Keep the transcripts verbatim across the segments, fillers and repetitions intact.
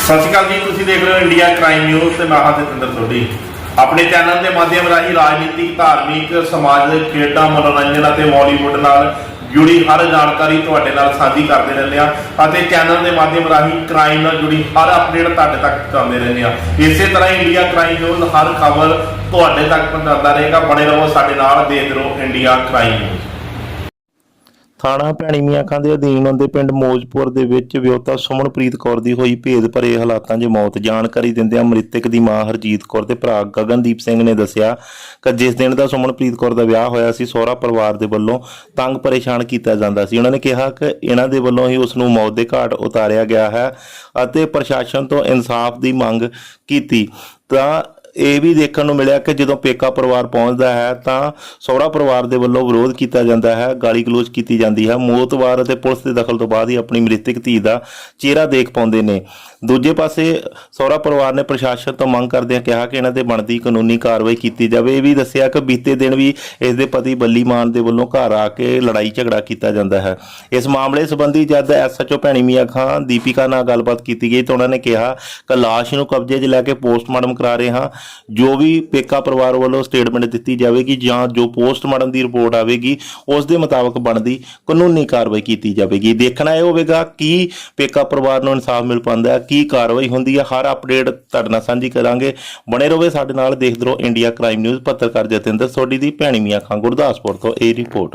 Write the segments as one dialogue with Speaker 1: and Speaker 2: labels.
Speaker 1: ਸਤਿ ਸ਼੍ਰੀ ਅਕਾਲ ਜੀ, ਤੁਸੀਂ ਦੇਖ ਰਹੇ ਹੋ ਇੰਡੀਆ ਕ੍ਰਾਈਮ ਨਿਊਜ਼ ਤੇ ਮੈਂ ਹਾਂ ਜਤਿੰਦਰ ਸੋਢੀ। ਆਪਣੇ ਚੈਨਲ ਦੇ ਮਾਧਿਅਮ ਰਾਹੀਂ ਰਾਜਨੀਤਿਕ, ਧਾਰਮਿਕ, ਸਮਾਜਿਕ, ਖੇਡਾਂ, ਮਨੋਰੰਜਨ ਅਤੇ ਬਾਲੀਵੁੱਡ ਨਾਲ ਜੁੜੀ ਹਰ ਜਾਣਕਾਰੀ ਤੁਹਾਡੇ ਨਾਲ ਸਾਂਝੀ ਕਰਦੇ ਰਹਿੰਦੇ ਆ ਅਤੇ ਚੈਨਲ ਦੇ ਮਾਧਿਅਮ ਰਾਹੀਂ ਕ੍ਰਾਈਮ ਨਾਲ ਜੁੜੀ ਹਰ ਅਪਡੇਟ ਤੁਹਾਡੇ ਤੱਕ ਪਹੁੰਚਾਉਂਦੇ ਰਹਿੰਦੇ ਆ। ਇਸੇ ਤਰ੍ਹਾਂ ਇੰਡੀਆ ਕ੍ਰਾਈਮ ਨਿਊਜ਼ ਹਰ ਖਬਰ ਤੁਹਾਡੇ ਤੱਕ ਪਹੁੰਚਾਉਂਦਾ ਰਹੇਗਾ। ਬਣੇ ਰਹੋ ਸਾਡੇ ਨਾਲ, ਦੇਖਦੇ ਰਹੋ ਇੰਡੀਆ ਕ੍ਰਾਈਮ ਨਿਊਜ਼।
Speaker 2: ਥਾਣਾ ਭੈਣੀ ਮੀਆਂ ਖਾਂ ਦੇ ਅਧੀਨ ਆਉਂਦੇ ਪਿੰਡ ਮੌਜਪੁਰ ਦੇ ਵਿੱਚ ਵਿਆਹੁਤਾ ਸੁਮਨਪ੍ਰੀਤ ਕੌਰ ਦੀ ਹੋਈ ਭੇਦ ਭਰੇ ਹਾਲਾਤਾਂ 'ਚ ਮੌਤ। ਜਾਣਕਾਰੀ ਦਿੰਦਿਆਂ ਮ੍ਰਿਤਕ ਦੀ ਮਾਂ ਹਰਜੀਤ ਕੌਰ ਤੇ ਭਰਾ ਗਗਨਦੀਪ ਸਿੰਘ ਨੇ ਦੱਸਿਆ ਕਿ ਜਿਸ ਦਿਨ ਦਾ ਸੁਮਨਪ੍ਰੀਤ ਕੌਰ ਦਾ ਵਿਆਹ ਹੋਇਆ ਸੀ, ਸਹੁਰਾ ਪਰਿਵਾਰ ਦੇ ਵੱਲੋਂ ਤੰਗ ਪਰੇਸ਼ਾਨ ਕੀਤਾ ਜਾਂਦਾ ਸੀ। ਉਹਨਾਂ ਨੇ ਕਿਹਾ ਕਿ ਇਹਨਾਂ ਦੇ ਵੱਲੋਂ ਹੀ ਉਸ ਨੂੰ ਮੌਤ ਦੇ ਘਾਟ ਉਤਾਰਿਆ ਗਿਆ ਹੈ ਅਤੇ ਪ੍ਰਸ਼ਾਸਨ ਤੋਂ ਇਨਸਾਫ ਦੀ ਮੰਗ ਕੀਤੀ। ਤਾਂ ਇਹ ਵੀ ਦੇਖਣ ਨੂੰ ਮਿਲਿਆ ਕਿ ਜਦੋਂ ਪੇਕਾ ਪਰਿਵਾਰ ਪਹੁੰਚਦਾ ਹੈ ਤਾਂ ਸਹੁਰਾ ਪਰਿਵਾਰ ਦੇ ਵੱਲੋਂ ਵਿਰੋਧ ਕੀਤਾ ਜਾਂਦਾ ਹੈ, ਗਾਲੀ ਗਲੋਚ ਕੀਤੀ ਜਾਂਦੀ ਹੈ। ਮੌਤਵਾਰ ਅਤੇ ਪੁਲਿਸ ਦੇ ਦਖਲ ਤੋਂ ਬਾਅਦ ਹੀ ਆਪਣੀ ਮ੍ਰਿਤਕ ਧੀ ਦਾ ਚਿਹਰਾ ਦੇਖ ਪਾਉਂਦੇ ਨੇ। ਦੂਜੇ ਪਾਸੇ ਸਹੁਰਾ ਪਰਿਵਾਰ ਨੇ ਪ੍ਰਸ਼ਾਸਨ ਤੋਂ ਮੰਗ ਕਰਦਿਆਂ ਕਿਹਾ ਕਿ ਇਹਨਾਂ ਤੇ ਬਣਦੀ ਕਾਨੂੰਨੀ ਕਾਰਵਾਈ ਕੀਤੀ ਜਾਵੇ। ਇਹ ਵੀ ਦੱਸਿਆ ਕਿ ਬੀਤੇ ਦਿਨ ਵੀ ਇਸ ਦੇ ਪਤੀ ਬੱਲੀ ਮਾਨ ਦੇ ਵੱਲੋਂ ਘਰ ਆ ਕੇ ਲੜਾਈ ਝਗੜਾ ਕੀਤਾ ਜਾਂਦਾ ਹੈ। ਇਸ ਮਾਮਲੇ ਸੰਬੰਧੀ ਜਦ S H O Bhaini Mian Khan Deepika ਨਾਲ ਗੱਲਬਾਤ ਕੀਤੀ ਗਈ ਤਾਂ ਉਹਨਾਂ ਨੇ ਕਿਹਾ ਕਿ ਲਾਸ਼ ਨੂੰ ਕਬਜ਼ੇ 'ਚ ਲੈ ਕੇ ਪੋਸਟਮਾਰਟਮ ਕਰਾ ਰਹੇ ਹਾਂ। ਜੋ ਵੀ ਪੇਕਾ ਪਰਿਵਾਰ ਵੱਲੋਂ ਸਟੇਟਮੈਂਟ ਦਿੱਤੀ ਜਾਵੇਗੀ ਜਾਂ ਜੋ ਪੋਸਟਮਾਰਟਮ ਦੀ ਰਿਪੋਰਟ ਆਵੇਗੀ ਉਸ ਦੇ ਮੁਤਾਬਕ ਬਣਦੀ ਕਾਨੂੰਨੀ ਕਾਰਵਾਈ ਕੀਤੀ ਜਾਵੇਗੀ। ਦੇਖਣਾ ਇਹ ਹੋਵੇਗਾ ਕਿ ਪੇਕਾ ਪਰਿਵਾਰ ਨੂੰ ਇਨਸਾਫ ਮਿਲ ਪਾਉਂਦਾ ਹੈ, ਕੀ ਕਾਰਵਾਈ ਹੁੰਦੀ ਹੈ। ਹਰ ਅਪਡੇਟ ਤੁਹਾਡੇ ਨਾਲ ਸਾਂਝੀ ਕਰਾਂਗੇ। ਬਣੇ ਰਹੋ ਸਾਡੇ ਨਾਲ, ਦੇਖਦੇ ਰਹੋ ਇੰਡੀਆ ਕ੍ਰਾਈਮ ਨਿਊਜ਼। ਪੱਤਰਕਾਰ ਜਤਿੰਦਰ ਸੋਢੀ ਦੀ ਭੈਣੀ ਮੀਆਂ ਖਾਂ ਗੁਰਦਾਸਪੁਰ ਤੋਂ ਇਹ ਰਿਪੋਰਟ।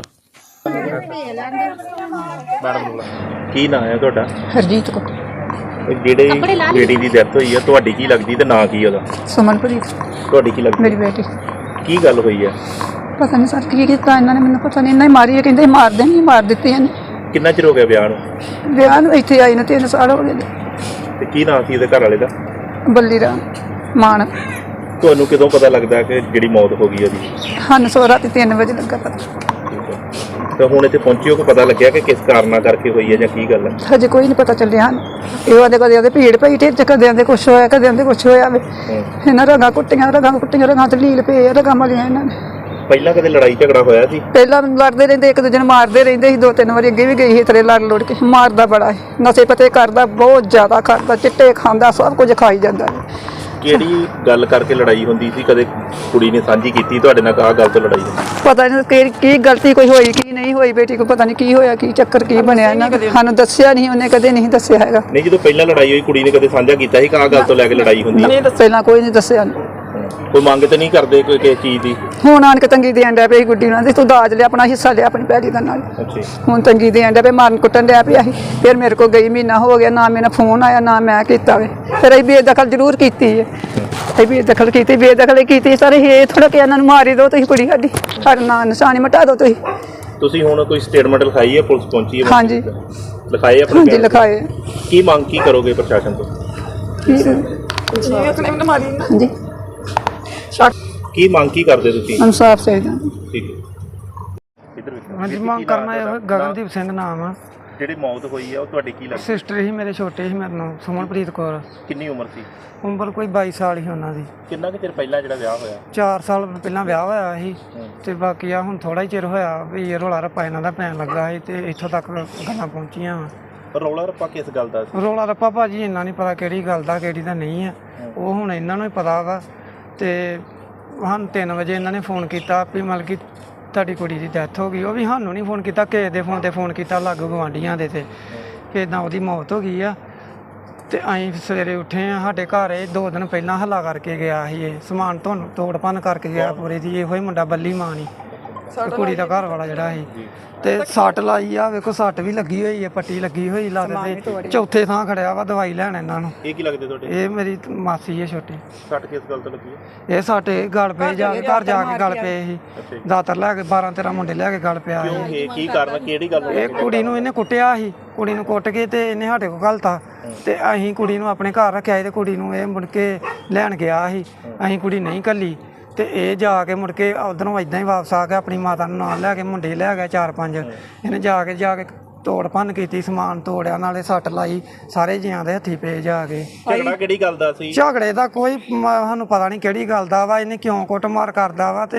Speaker 2: ਕੀ ਨਾਂ ਹੈ ਤੁਹਾਡਾ?
Speaker 3: ਹਰਜੀਤ ਕੌਰ।
Speaker 2: ਜਿਹੜੇ ਬੇਟੀ ਦੀ ਡੈਥ ਹੋਈ ਹੈ, ਤੁਹਾਡੀ ਕੀ ਲੱਗਦੀ ਤੇ ਨਾਂ ਕੀ ਉਹਦਾ?
Speaker 3: ਸੁਮਨਪ੍ਰੀਤ
Speaker 2: ਤੁਹਾਡੀ ਕੀ ਲੱਗਦੀ?
Speaker 3: ਮੇਰੀ ਬੇਟੀ।
Speaker 2: ਕੀ ਗੱਲ ਹੋਈ ਹੈ?
Speaker 3: ਪਤਾ ਨਹੀਂ ਸਰ ਕੀ ਕੀਤਾ ਇਹਨਾਂ ਨੇ, ਮੈਨੂੰ ਪਤਾ ਨਹੀਂ। ਇਹਨਾਂ ਹੀ ਮਾਰੀ ਹੈ, ਕਹਿੰਦੇ ਮਾਰ ਦੇਣੀ, ਮਾਰ ਦਿੱਤੀ ਇਹਨੇ।
Speaker 2: ਕਿੰਨਾ ਚਿਰ ਹੋ ਗਿਆ ਵਿਆਹ ਨੂੰ?
Speaker 3: ਵਿਆਹ ਨੂੰ ਇੱਥੇ ਆਈ ਨੂੰ ਤਿੰਨ ਸਾਲ ਹੋ ਗਏ।
Speaker 2: ਤੇ ਕੀ ਨਾਂ ਸੀ ਉਹਦੇ ਘਰ ਵਾਲੇ ਦਾ?
Speaker 3: ਬੱਲੀ ਰਾਮ ਮਾਨ।
Speaker 2: ਤੁਹਾਨੂੰ ਕਦੋਂ ਪਤਾ ਲੱਗਦਾ ਕਿ ਜਿਹੜੀ ਮੌਤ ਹੋ ਗਈ ਉਹਦੀ?
Speaker 3: ਸਾਨੂੰ ਸੋ ਰਾਤੀ ਤਿੰਨ ਵਜੇ ਲੱਗਾ ਪਤਾ।
Speaker 2: ਤਾਂ ਹੁਣ ਇੱਥੇ ਪਹੁੰਚੇ ਹੋ ਕਿ ਪਤਾ ਲੱਗਿਆ ਕਿ ਕਿਸ ਕਾਰਨਾਂ ਕਰਕੇ ਹੋਈ ਹੈ ਜਾਂ ਕੀ ਗੱਲ ਹੈ?
Speaker 3: ਹਜੇ ਕੋਈ ਨਹੀਂ ਪਤਾ ਚੱਲਿਆ ਹਨ। ਇਹ ਆਦੇ ਕਦੇ ਆਦੇ ਭੀੜ ਪਈ ਢਿੱਡ 'ਚ, ਕਦੇ ਆਦੇ ਕੁਛ ਹੋਇਆ, ਕਦੇ ਆਦੇ ਕੁਛ ਹੋਇਆ ਵੇ। ਇਹਨਾਂ ਰਗਾਂ ਕੁੱਟੀਆਂ, ਰਗਾਂ ਕੁੱਟੀਆਂ, ਰਗਾਂ ਤੇ ਲੀਲ ਪਏ, ਰਗਾਂ ਮਲੀਆਂ ਇਹਨਾਂ ਨੇ।
Speaker 2: ਪਹਿਲਾਂ ਕਦੇ ਲੜਾਈ ਝਗੜਾ ਹੋਇਆ ਸੀ?
Speaker 3: ਪਹਿਲਾਂ ਲੜਦੇ ਰਹਿੰਦੇ, ਇੱਕ ਦੂਜੇ ਨੂੰ ਮਾਰਦੇ ਰਹਿੰਦੇ ਸੀ। ਦੋ ਤਿੰਨ ਵਾਰੀ ਅੱਗੇ ਵੀ ਗਈ ਸੀ ਤੇਰੇ ਲੜ ਲੁੜ ਕੇ। ਮਾਰਦਾ ਬੜਾ ਹੈ, ਨਸ਼ੇ ਪਤੇ ਕਰਦਾ, ਬਹੁਤ ਜ਼ਿਆਦਾ ਕਰਦਾ, ਚਿੱਟੇ ਖਾਂਦਾ, ਸਭ ਕੁਝ ਖਾਈ ਜਾਂਦਾ।
Speaker 2: ਕਿਹੜੀ ਗੱਲ ਕਰਕੇ ਲੜਾਈ ਹੁੰਦੀ ਸੀ? ਕਦੇ ਕੁੜੀ ਨੇ ਸਾਂਝੀ ਕੀਤੀ ਤੁਹਾਡੇ ਨਾਲ ਆਹ ਗੱਲ ਤੋਂ ਲੜਾਈ ਹੁੰਦੀ?
Speaker 3: ਪਤਾ ਨਹੀਂ ਕਿ ਕੀ ਗਲਤੀ ਕੋਈ ਹੋਈ ਕੀ ਨਹੀਂ ਹੋਈ, ਬੇਟੀ ਕੋ ਪਤਾ ਨਹੀਂ ਕੀ ਹੋਇਆ, ਕੀ ਚੱਕਰ ਕੀ ਬਣਿਆ ਇਹਨਾਂ ਦਾ। ਸਾਨੂੰ ਦੱਸਿਆ ਨਹੀਂ, ਉਹਨੇ ਕਦੇ ਨਹੀਂ ਦੱਸਿਆ ਹੈਗਾ।
Speaker 2: ਨਹੀਂ, ਜਦੋਂ ਪਹਿਲਾਂ ਲੜਾਈ ਹੋਈ ਕੁੜੀ ਨੇ ਕਦੇ ਸਾਂਝਾ ਕੀਤਾ ਸੀ ਕਿ ਆਹ ਗੱਲ ਤੋਂ ਲੈ ਕੇ ਲੜਾਈ ਹੁੰਦੀ?
Speaker 3: ਨਹੀਂ, ਪਹਿਲਾਂ ਕੋਈ ਨਹੀਂ ਦੱਸਿਆ।
Speaker 2: ਕੋਈ ਮੰਗ ਤੇ ਨਹੀਂ ਕਰਦੇ ਕੋਈ ਕਿਸੇ ਚੀਜ਼ ਦੀ?
Speaker 3: ਹੁਣ ਆਣ ਕੇ ਤੰਗੀ ਦੇਣ ਡਿਆ ਪਈ ਗੁੱਡੀ ਨਾਲ, ਤੂੰ ਦਾਜ ਲਿਆ, ਆਪਣਾ ਹਿੱਸਾ ਲਿਆ ਆਪਣੀ ਭੈੜੀ ਦਾ ਨਾਲ। ਹੁਣ ਤੰਗੀ ਦੇਣ ਡਿਆ ਪਈ, ਮਾਰਨ ਕੁੱਟਣ ਡਿਆ ਪਿਆ ਸੀ। ਫਿਰ ਮੇਰੇ ਕੋਲ ਗਈ, ਮਹੀਨਾ ਹੋ ਗਿਆ, ਨਾ ਮੇਰਾ ਫੋਨ ਆਇਆ ਨਾ ਮੈਂ ਕੀਤਾ ਵੇ। ਫਿਰ ਅਸੀਂ ਬੇਦਖਲ ਜ਼ਰੂਰ ਕੀਤੀ ਹੈ, ਅਸੀਂ ਬੇਦਖਲ ਕੀਤੀ, ਬੇਦਖਲ ਕੀਤੀ ਸਾਰੇ। ਇਹ ਥੋੜਾ ਕਿ ਇਹਨਾਂ ਨੂੰ ਮਾਰੀ ਦਿਓ ਤੁਸੀਂ, ਕੁੜੀ ਸਾਡੀ, ਸਾਡਾ ਨਾਂ ਨਿਸ਼ਾਨੀ ਮਿਟਾ ਦਿਓ ਤੁਸੀਂ।
Speaker 2: ਤੁਸੀਂ ਹੁਣ ਕੋਈ ਸਟੇਟਮੈਂਟ ਲਿਖਾਈ ਹੈ? ਪੁਲਿਸ ਪਹੁੰਚੀ ਹੈ?
Speaker 3: ਹਾਂਜੀ
Speaker 2: ਲਿਖਾਏ ਆਪਣੇ?
Speaker 3: ਹਾਂਜੀ ਲਿਖਾਏ।
Speaker 2: ਕੀ ਮੰਗ ਕੀ ਕਰੋਗੇ ਪ੍ਰਸ਼ਾਸਨ ਤੋਂ?
Speaker 3: ਹਾਂਜੀ,
Speaker 2: ਕੀ ਮੰਗ ਕੀ ਕਰਦੇ ਤੁਸੀਂ?
Speaker 3: ਇਨਸਾਫ ਚਾਹੀਦਾ।
Speaker 2: ਠੀਕ ਹੈ, ਇਧਰ ਵੇਖੋ।
Speaker 4: ਹਾਂਜੀ, ਮੰਗ ਕਰਨਾ ਇਹ ਗਗਨਦੀਪ ਸਿੰਘ ਨਾਮ ਆ।
Speaker 2: ਜਿਹੜੀ ਮੌਤ ਹੋਈ ਹੈ ਉਹ ਤੁਹਾਡੀ ਕੀ ਲੱਗਦੀ?
Speaker 4: ਸਿਸਟਰ ਹੀ ਮੇਰੇ, ਛੋਟੇ ਸੀ ਮੇਰੇ ਨਾਲ, ਸੁਮਨਪ੍ਰੀਤ ਕੌਰ।
Speaker 2: ਕਿੰਨੀ ਉਮਰ ਸੀ?
Speaker 4: ਉਮਰ ਕੋਈ ਬਾਈ ਸਾਲ ਹੀ ਉਹਨਾਂ ਦੀ।
Speaker 2: ਕਿੰਨਾ ਕੁ ਚਿਰ ਪਹਿਲਾਂ ਜਿਹੜਾ ਵਿਆਹ ਹੋਇਆ?
Speaker 4: ਚਾਰ ਸਾਲ ਪਹਿਲਾਂ ਵਿਆਹ ਹੋਇਆ ਸੀ ਤੇ ਬਾਕੀ ਆ ਹੁਣ ਥੋੜਾ ਹੀ ਚਿਰ ਹੋਇਆ ਵੀ ਇਹ ਰੌਲਾ ਰੱਪਾ ਇਹਨਾਂ ਦਾ ਪੈਣ ਲੱਗਾ ਸੀ ਤੇ ਇੱਥੋਂ ਤੱਕ ਗੱਲਾਂ ਪਹੁੰਚੀਆਂ ਵਾ।
Speaker 2: ਰੌਲਾ ਰੱਪਾ ਕਿਸ ਗੱਲ ਦਾ ਸੀ?
Speaker 4: ਰੌਲਾ ਰੱਪਾ ਭਾਜੀ ਇੰਨਾ ਨਹੀਂ ਪਤਾ ਕਿਹੜੀ ਗੱਲ ਦਾ ਕਿਹੜੀ ਦਾ ਨਹੀਂ ਆ, ਉਹ ਹੁਣ ਇਹਨਾਂ ਨੂੰ ਹੀ ਪਤਾ ਵਾ। ਤੇ ਸਾਨੂੰ ਤਿੰਨ ਵਜੇ ਇਹਨਾਂ ਨੇ ਫੋਨ ਕੀਤਾ ਵੀ ਮਤਲਬ ਕਿ ਤੁਹਾਡੀ ਕੁੜੀ ਦੀ ਡੈਥ ਹੋ ਗਈ। ਉਹ ਵੀ ਸਾਨੂੰ ਨਹੀਂ ਫੋਨ ਕੀਤਾ, ਕਿਸੇ ਦੇ ਫੋਨ 'ਤੇ ਫੋਨ ਕੀਤਾ, ਲਾਗੂ ਗੁਆਂਢੀਆਂ ਦੇ ਤੇ ਕਿ ਇੱਦਾਂ ਉਹਦੀ ਮੌਤ ਹੋ ਗਈ ਆ। ਤੇ ਅਸੀਂ ਸਵੇਰੇ ਉੱਠੇ ਆ, ਸਾਡੇ ਘਰ ਇਹ ਦੋ ਦਿਨ ਪਹਿਲਾਂ ਹੱਲਾ ਕਰਕੇ ਗਿਆ ਸੀ। ਇਹ ਸਮਾਨ ਤੁਹਾਨੂੰ ਤੋੜ ਭੰਨ ਕਰਕੇ ਗਿਆ ਪੂਰੇ ਦੀ। ਇਹੋ ਹੀ ਮੁੰਡਾ ਬੱਲੀ ਮਾਨ ਹੀ, ਕੁੜੀ ਦਾ ਘਰ ਵਾਲਾ ਜਿਹੜਾ ਸੀ। ਤੇ ਸੱਟ ਲਾਈ ਆ, ਵੇਖੋ ਸੱਟ ਵੀ ਲੱਗੀ ਹੋਈ ਹੈ, ਪੱਟੀ ਲੱਗੀ ਹੋਈ ਲੱਤ ਤੇ। ਚੌਥੇ ਥਾਂ ਖੜਿਆ ਵਾ ਦਵਾਈ ਲੈਣ ਇਹਨਾਂ ਨੂੰ।
Speaker 2: ਇਹ ਕੀ ਲੱਗਦੇ ਤੁਹਾਡੇ? ਇਹ
Speaker 4: ਮੇਰੀ ਮਾਸੀ ਹੈ ਛੋਟੀ।
Speaker 2: ਸੱਟ ਕਿਸ ਗੱਲ ਤੋਂ ਲੱਗੀ ਹੈ?
Speaker 4: ਇਹ ਸਾਡੇ ਗਲ ਪਏ, ਜਾ ਕੇ ਘਰ ਜਾ ਕੇ ਗਲ ਪਏ ਸੀ। ਦਾਤਰ ਲੈ ਕੇ ਬਾਰਾਂ ਤੇਰਾਂ ਮੁੰਡੇ ਲੈ ਕੇ ਗਲ ਪਿਆ ਸੀ।
Speaker 2: ਇਹ ਕੀ ਕਾਰਨ, ਕਿਹੜੀ ਗੱਲ?
Speaker 4: ਇਹ ਕੁੜੀ ਨੂੰ ਇਹਨੇ ਕੁੱਟਿਆ ਸੀ, ਕੁੜੀ ਨੂੰ ਕੁੱਟ ਕੇ ਤੇ ਇਹਨੇ ਸਾਡੇ ਕੋਲ ਘਲਤਾ ਤੇ ਅਸੀਂ ਕੁੜੀ ਨੂੰ ਆਪਣੇ ਘਰ ਰੱਖਿਆ ਸੀ। ਤੇ ਕੁੜੀ ਨੂੰ ਇਹ ਮੁੜ ਕੇ ਲੈਣ ਗਿਆ ਸੀ, ਅਸੀਂ ਕੁੜੀ ਨਹੀਂ ਘੱਲੀ। ਤੇ ਇਹ ਜਾ ਕੇ ਮੁੜ ਕੇ ਉਧਰੋਂ ਇਦਾਂ ਹੀ ਵਾਪਸ ਆ ਗਿਆ, ਆਪਣੀ ਮਾਤਾ ਨੂੰ ਨਾਲ ਲੈ ਕੇ, ਮੁੰਡੇ ਲੈ ਗਿਆ ਚਾਰ ਪੰਜ। ਇਹਨੇ ਜਾ ਕੇ ਜਾ ਕੇ ਤੋੜ ਭੰਨ ਕੀਤੀ, ਸਮਾਨ ਤੋੜਿਆ, ਨਾਲੇ ਸੱਟ ਲਾਈ, ਸਾਰੇ ਜੀਆਂ ਦੇ ਹੱਥੀ ਪਏ ਜਾ ਕੇ।
Speaker 2: ਝਗੜਾ ਕਿਹੜੀ ਗੱਲ ਦਾ ਸੀ?
Speaker 4: ਝਗੜੇ ਦਾ ਕੋਈ ਸਾਨੂੰ ਪਤਾ ਨਹੀਂ ਕਿਹੜੀ ਗੱਲ ਦਾ ਵਾ, ਇਹਨੇ ਕਿਉਂ ਕੁੱਟਮਾਰ ਕਰਦਾ ਵਾ। ਤੇ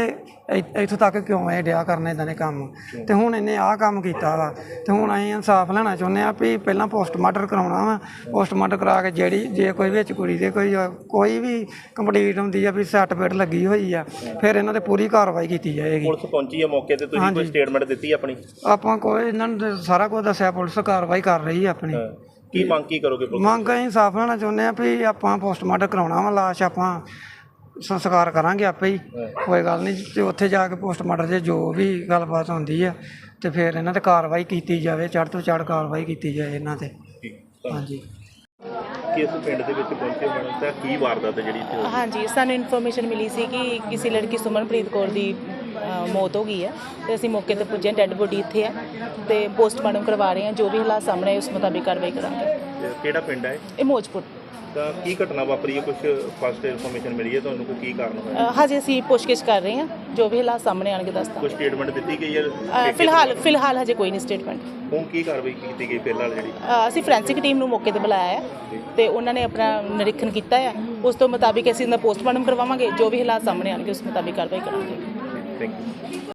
Speaker 4: ਇ- ਇੱਥੋਂ ਤੱਕ ਕਿਉਂ ਇਹ ਡਿਆ ਕਰਨ ਇਦਾਂ ਦੇ ਕੰਮ। ਤੇ ਹੁਣ ਇਹਨੇ ਆਹ ਕੰਮ ਕੀਤਾ ਵਾ ਤੇ ਹੁਣ ਅਸੀਂ ਇਨਸਾਫ ਲੈਣਾ ਚਾਹੁੰਦੇ ਆ ਵੀ ਪਹਿਲਾਂ ਪੋਸਟਮਾਰਟਮ ਕਰਾਉਣਾ ਵਾ। ਪੋਸਟਮਾਰਟਮ ਕਰਾ ਕੇ ਜਿਹੜੀ ਜੇ ਕੋਈ ਵਿੱਚ ਕੁੜੀ ਦੇ ਕੋਈ ਕੋਈ ਵੀ ਕੰਪਲੀਟ ਹੁੰਦੀ ਆ ਵੀ ਸੱਟ ਫੇਟ ਲੱਗੀ ਹੋਈ ਆ ਫਿਰ ਇਹਨਾਂ ਤੇ ਪੂਰੀ ਕਾਰਵਾਈ ਕੀਤੀ ਜਾਏਗੀ।
Speaker 2: ਪੁਲਿਸ ਪਹੁੰਚੀ ਹੈ ਮੌਕੇ ਤੇ, ਤੁਸੀਂ ਕੋਈ ਸਟੇਟਮੈਂਟ ਦਿੱਤੀ ਆਪਣੀ?
Speaker 4: ਆਪਾਂ ਕੋਈ ਇਹਨਾਂ ਨੂੰ ਸਾਰਾ ਕੁਝ ਦੱਸਿਆ, ਪੁਲਿਸ ਕਾਰਵਾਈ ਕਰ ਰਹੀ ਆ ਆਪਣੀ।
Speaker 2: ਕੀ ਮੰਗ ਕੀ ਕਰੋਗੇ ਪੁਲਿਸ?
Speaker 4: ਮੰਗ ਅਸੀਂ ਇਨਸਾਫ ਲੈਣਾ ਚਾਹੁੰਦੇ ਆ ਵੀ ਆਪਾਂ ਪੋਸਟਮਾਰਟਮ ਕਰਾਉਣਾ ਵਾ, ਲਾਸ਼ ਆਪਾਂ ਸੰਸਕਾਰ ਕਰਾਂਗੇ ਆਪੇ ਹੀ, ਕੋਈ ਗੱਲ ਨਹੀਂ। ਤੇ ਉੱਥੇ ਜਾ ਕੇ ਪੋਸਟਮਾਰਟਮ 'ਚ ਜੋ ਵੀ ਗੱਲਬਾਤ ਹੁੰਦੀ ਆ ਤੇ ਫਿਰ ਇਹਨਾਂ ਤੇ ਕਾਰਵਾਈ ਕੀਤੀ ਜਾਵੇ, ਚੜ੍ਹ ਤੋਂ ਚੜ੍ਹ ਕਾਰਵਾਈ ਕੀਤੀ ਜਾਏ ਇਹਨਾਂ ਤੇ। ਹਾਂਜੀ।
Speaker 2: ਕਿਸ ਪਿੰਡ ਦੇ ਵਿੱਚ ਪਹੁੰਚੇ ਮੈਡਮ ਤਾਂ ਕੀ ਵਾਰਦਾਤ ਜਿਹੜੀ ਇੱਥੇ ਹੋਈ?
Speaker 5: ਹਾਂਜੀ, ਸਾਨੂੰ ਇਨਫੋਰਮੇਸ਼ਨ ਮਿਲੀ ਸੀ ਕਿ ਕਿਸੇ ਲੜਕੀ ਸੁਮਨਪ੍ਰੀਤ ਕੌਰ ਦੀ ਅ, ਮੌਤ ਹੋ ਗਈ ਹੈ ਤੇ ਅਸੀਂ ਮੌਕੇ ਤੇ ਪੁੱਜੇ, ਡੈੱਡ ਬੋਡੀ ਇੱਥੇ ਹੈ ਤੇ ਪੋਸਟਮਾਰਟਮ ਕਰਵਾ ਰਹੇ ਹਾਂ। ਜੋ ਵੀ ਹਾਲਾਤ ਸਾਹਮਣੇ ਆਏ ਉਸ ਮੁਤਾਬਿਕ ਕਾਰਵਾਈ ਕਰਾਂਗੇ।
Speaker 2: ਤੇ ਕਿਹੜਾ ਪਿੰਡ ਹੈ
Speaker 5: ਇਹ ਮੋਜਪੁਰ।
Speaker 2: ਤਾਂ ਕੀ ਘਟਨਾ ਵਾਪਰੀ ਹੈ, ਕੁਝ ਫਸਟ ਇਨਫੋਰਮੇਸ਼ਨ ਮਿਲੀ ਹੈ ਤੁਹਾਨੂੰ ਕੋਈ ਕੀ ਕਾਰਨ ਹੋਇਆ?
Speaker 5: ਅ, ਹਜੇ ਅਸੀਂ ਪੁੱਛਗਿੱਛ ਕਰ ਰਹੇ ਹਾਂ, ਜੋ ਵੀ ਹਾਲਾਤ ਸਾਹਮਣੇ ਆਣਗੇ ਦੱਸਦਾ।
Speaker 2: ਕੋਈ ਸਟੇਟਮੈਂਟ ਦਿੱਤੀ ਗਈ ਹੈ?
Speaker 5: ਅ, ਫਿਲਹਾਲ ਫਿਲਹਾਲ ਹਜੇ ਕੋਈ ਨਹੀਂ ਸਟੇਟਮੈਂਟ।
Speaker 2: ਹੁਣ ਕੀ ਕਾਰਵਾਈ ਕੀਤੀ ਗਈ ਫਿਲਹਾਲ ਜਿਹੜੀ?
Speaker 5: ਅ, ਅਸੀਂ ਫੋਰੈਂਸਿਕ ਟੀਮ ਨੂੰ ਮੌਕੇ ਤੇ ਬੁਲਾਇਆ ਹੈ ਤੇ ਉਹਨਾਂ ਨੇ ਆਪਣਾ ਨਿਰੀਖਣ ਕੀਤਾ ਹੈ। ਉਸ ਤੋਂ ਮੁਤਾਬਿਕ ਅਸੀਂ ਇਹਦਾ ਪੋਸਟਮਾਰਟਮ ਕਰਵਾਵਾਂਗੇ। ਜੋ ਵੀ ਹਾਲਾਤ ਸਾਹਮਣੇ ਆਣਗੇ ਉਸ ਮੁਤਾਬਿਕ ਕਾਰਵਾਈ ਕਰਾਂਗੇ।
Speaker 2: Thank you.